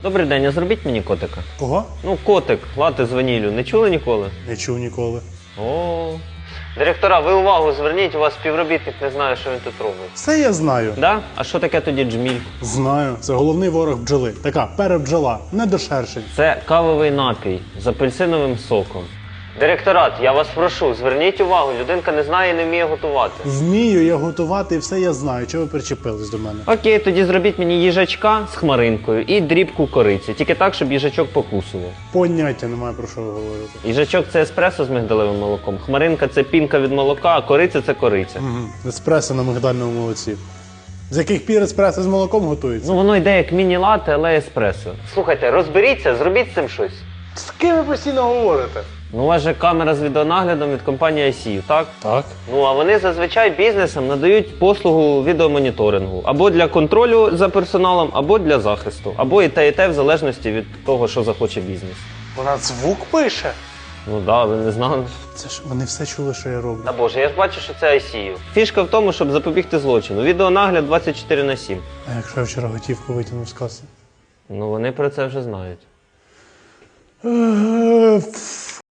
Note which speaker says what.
Speaker 1: Добрий день, а зробіть мені котика.
Speaker 2: Кого?
Speaker 1: Ну, котик, лати з ваніллю. Не чули ніколи?
Speaker 2: Не чув ніколи.
Speaker 1: О. Директора, ви увагу зверніть, у вас співробітник не знає, що він тут робить.
Speaker 2: Все я знаю.
Speaker 1: Да? А що таке тоді джміль?
Speaker 2: Знаю. Це головний ворог бджоли. Така перебджола, не до шершень.
Speaker 1: Це кавовий напій з апельсиновим соком. Директорат, я вас прошу, зверніть увагу, людинка не знає і не вміє готувати.
Speaker 2: Вмію я готувати і все я знаю. Чого ви причепились до мене?
Speaker 1: Окей, тоді зробіть мені їжачка з хмаринкою і дрібку кориці. Тільки так, щоб їжачок покусував.
Speaker 2: Поняття немає, про що ви говорите.
Speaker 1: Їжачок – це еспресо з мигдалевим молоком, хмаринка – це пінка від молока, а кориця – це кориця.
Speaker 2: Угу. Еспресо на мигдальному молоці. З яких пір еспресо з молоком готується?
Speaker 1: Ну, воно йде як міні-лате, але еспресо. Слухайте, розберіться, зробіть з цим щось.
Speaker 2: З ким ви постійно говорите?
Speaker 1: Ну, у вас же камера з відеонаглядом від компанії ICU, так?
Speaker 2: Так.
Speaker 1: Ну, а вони зазвичай бізнесам надають послугу відеомоніторингу. Або для контролю за персоналом, або для захисту. Або і те, в залежності від того, що захоче бізнес.
Speaker 2: Вона звук пише.
Speaker 1: Ну да, ви не знали.
Speaker 2: Це ж вони все чули, що я роблю.
Speaker 1: Та боже, я ж бачу, що це ICU. Фішка в тому, щоб запобігти злочину. Відеонагляд 24/7.
Speaker 2: А якщо я вчора готівку витягнув з каси?
Speaker 1: Ну, вони про це вже знають.